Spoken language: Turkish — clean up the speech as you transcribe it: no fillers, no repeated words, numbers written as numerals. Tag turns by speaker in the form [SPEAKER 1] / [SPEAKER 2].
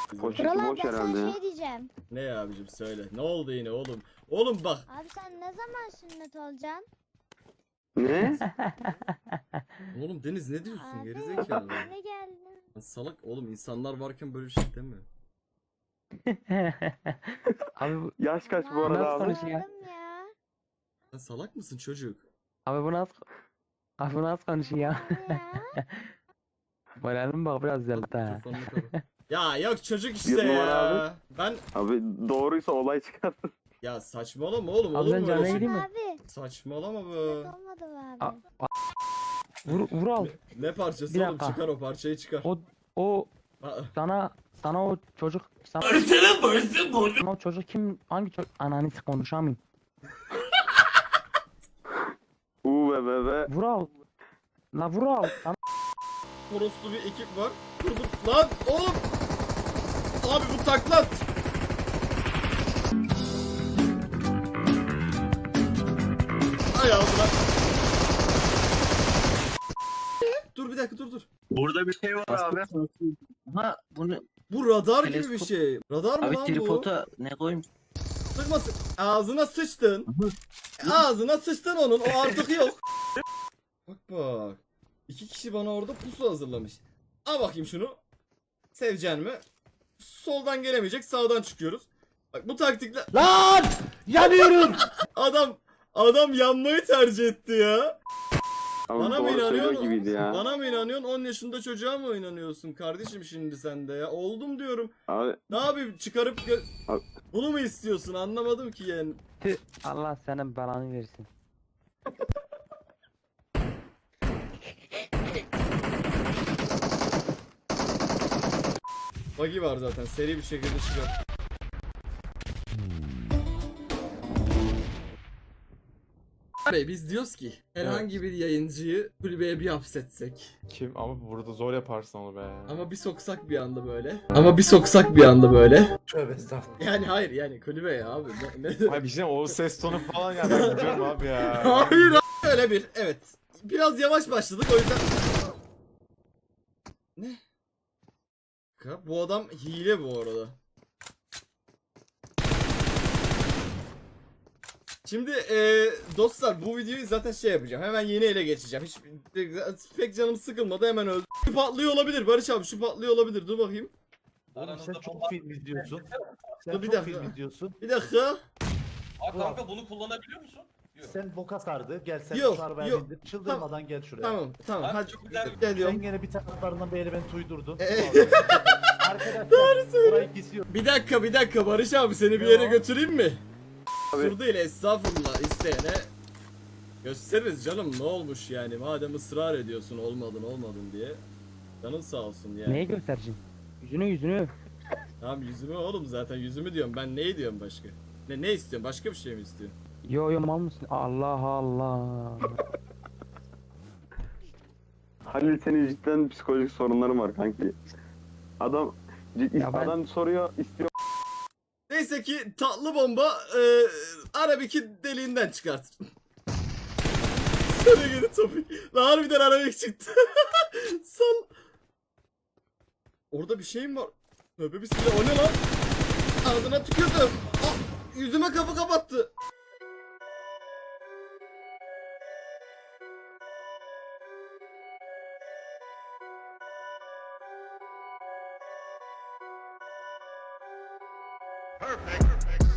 [SPEAKER 1] Poşeti
[SPEAKER 2] Buralar
[SPEAKER 1] boş
[SPEAKER 2] ben
[SPEAKER 1] herhalde
[SPEAKER 2] sana
[SPEAKER 1] ya.
[SPEAKER 2] şey diyeceğim.
[SPEAKER 3] Ne ya abicim söyle. Ne oldu yine oğlum? Oğlum bak.
[SPEAKER 2] Abi sen ne zaman sünnet olacaksın?
[SPEAKER 1] Ne?
[SPEAKER 3] Oğlum Deniz ne diyorsun
[SPEAKER 2] Abi
[SPEAKER 3] gerizekalı?
[SPEAKER 2] ne geldin?
[SPEAKER 3] Lan salak oğlum insanlar varken böyle bir şey deme.
[SPEAKER 4] Abi
[SPEAKER 1] Yaş kaç bu arada
[SPEAKER 4] Nasıl
[SPEAKER 1] abi?
[SPEAKER 4] konuşuyor?
[SPEAKER 2] Sordum ya.
[SPEAKER 3] Sen salak mısın çocuk?
[SPEAKER 4] abi bu nasıl abi bu nasıl konuşuyor?
[SPEAKER 2] Abi ya.
[SPEAKER 4] Moralim bak biraz düzeldi ha.
[SPEAKER 3] Mikrofonunu kapat. Ya yok çocuk
[SPEAKER 1] Bir
[SPEAKER 3] işte
[SPEAKER 1] numara
[SPEAKER 3] ya. Ben
[SPEAKER 1] Abi doğruysa olay çıkar.
[SPEAKER 3] ya saçmalama oğlum
[SPEAKER 4] Abi
[SPEAKER 3] olur
[SPEAKER 4] ben
[SPEAKER 3] mu
[SPEAKER 4] canına
[SPEAKER 3] öyle şey?
[SPEAKER 4] gideyim mi?
[SPEAKER 2] Abi.
[SPEAKER 3] Saçmalama be.
[SPEAKER 2] Olmadı be abi.
[SPEAKER 4] Vur al.
[SPEAKER 3] Ne parçası
[SPEAKER 4] Bir
[SPEAKER 3] oğlum
[SPEAKER 4] dakika.
[SPEAKER 3] çıkar o parçayı çıkar.
[SPEAKER 4] O
[SPEAKER 3] Aa,
[SPEAKER 4] sana o çocuk sana o çocuk kim hangi çocuk ananı konuşamayayım.
[SPEAKER 1] Be.
[SPEAKER 4] Vur al. La vur al. Sana
[SPEAKER 3] Toroslu bir ekip var. Dur. Lan oğlum. Abi bu taklat. Ay ağzına. Dur bir dakika dur.
[SPEAKER 5] Burada bir şey var abi. Ama bunu
[SPEAKER 3] Bu radar gibi bir
[SPEAKER 5] Teleskop-
[SPEAKER 3] şey. Radar mı
[SPEAKER 5] abi
[SPEAKER 3] lan bu?
[SPEAKER 5] tripoda ne koyayım?
[SPEAKER 3] Sıkmasın. Ağzına sıçtın. Ağzına sıçtın onun. O artık yok. Bak. İki kişi bana orada pusu hazırlamış. Al bakayım şunu. Sevecen mi? Soldan gelemeyecek. Sağdan çıkıyoruz. Bak bu taktikle...
[SPEAKER 6] Lan! Yanıyorum!
[SPEAKER 3] Adam yanmayı tercih etti ya.
[SPEAKER 1] Abi
[SPEAKER 3] Bana mı
[SPEAKER 1] doğru söylüyor
[SPEAKER 3] inanıyorsun?
[SPEAKER 1] gibiydi ya.
[SPEAKER 3] Bana mı inanıyorsun? 10 yaşında çocuğa mı inanıyorsun kardeşim şimdi sen de ya? Oldum diyorum.
[SPEAKER 1] Abi
[SPEAKER 3] Ne yapayım çıkarıp
[SPEAKER 1] Abi-
[SPEAKER 3] bunu mu istiyorsun? Anlamadım ki yani.
[SPEAKER 4] tüh, Allah senin belanı versin.
[SPEAKER 3] Buggy var zaten. Seri bir şekilde çıkar. Bey biz diyoruz ki herhangi bir yayıncıyı kulübeye bir hapsetsek.
[SPEAKER 6] Kim? Ama burada zor yaparsın onu be.
[SPEAKER 3] Ama bir soksak bir anda böyle.
[SPEAKER 6] Tövbe estağfurullah.
[SPEAKER 3] Yani hayır yani kulübe ya abi. Ne?
[SPEAKER 6] Ay bir şey o ses tonu falan ya ben biliyorum abi ya.
[SPEAKER 3] Hayır abi. Öyle bir evet. Biraz yavaş başladık o yüzden. Ne? Bu adam hile bu arada. Şimdi dostlar bu videoyu zaten şey yapacağım. Hemen yeni ele geçeceğim. Hiç pek canım sıkılmadı hemen öldü. Şu patlıyor olabilir Barış abi şu patlıyor olabilir. Dur bakayım.
[SPEAKER 7] Oğlum sen çok film izliyorsun. Sen
[SPEAKER 3] Dur bir
[SPEAKER 7] çok
[SPEAKER 3] dakika.
[SPEAKER 7] film izliyorsun.
[SPEAKER 3] Bir dakika.
[SPEAKER 8] Aa kanka bunu kullanabiliyor musun? Yok.
[SPEAKER 7] Sen boka sardı. Gel sen
[SPEAKER 3] Yok,
[SPEAKER 7] şu arabaya
[SPEAKER 3] yok.
[SPEAKER 7] bindir. Çıldırmadan gel şuraya.
[SPEAKER 3] Tamam.
[SPEAKER 8] Abi
[SPEAKER 3] Hadi
[SPEAKER 8] çok güzel bir
[SPEAKER 3] geliyorum.
[SPEAKER 7] Sen gene bir taraflarından bir element uydurdun.
[SPEAKER 3] Ee,
[SPEAKER 7] Arkadaşlar burayı kesiyor.
[SPEAKER 3] Bir dakika Barış abi seni bir yere
[SPEAKER 7] Ya.
[SPEAKER 3] götüreyim mi?
[SPEAKER 1] Abi.
[SPEAKER 3] Sur değil estağfurullah isteyene gösteririz canım ne olmuş yani madem ısrar ediyorsun olmadın diye. Canın sağ olsun yani.
[SPEAKER 4] Neyi göstereceksin? Yüzünü.
[SPEAKER 3] Tamam yüzümü oğlum zaten yüzümü diyorum ben neyi diyorum başka? Ne istiyorsun başka bir şey mi istiyorsun?
[SPEAKER 4] Yo mal mısın? Allah Allah.
[SPEAKER 1] Halil senin cidden psikolojik sorunların var kanki. Adam
[SPEAKER 4] Ya ben-
[SPEAKER 1] adam soruyor istiyor.
[SPEAKER 3] Neyse ki tatlı bomba Arabik'i deliğinden çıkartır. Sana geri topik. Lan harbiden Arabik çıktı. Sal. Orada bir şey mi var? Tövbe bismillah o ne lan? Ağzına tükürdüm. Yüzüme kapı kapattı.
[SPEAKER 8] perfect.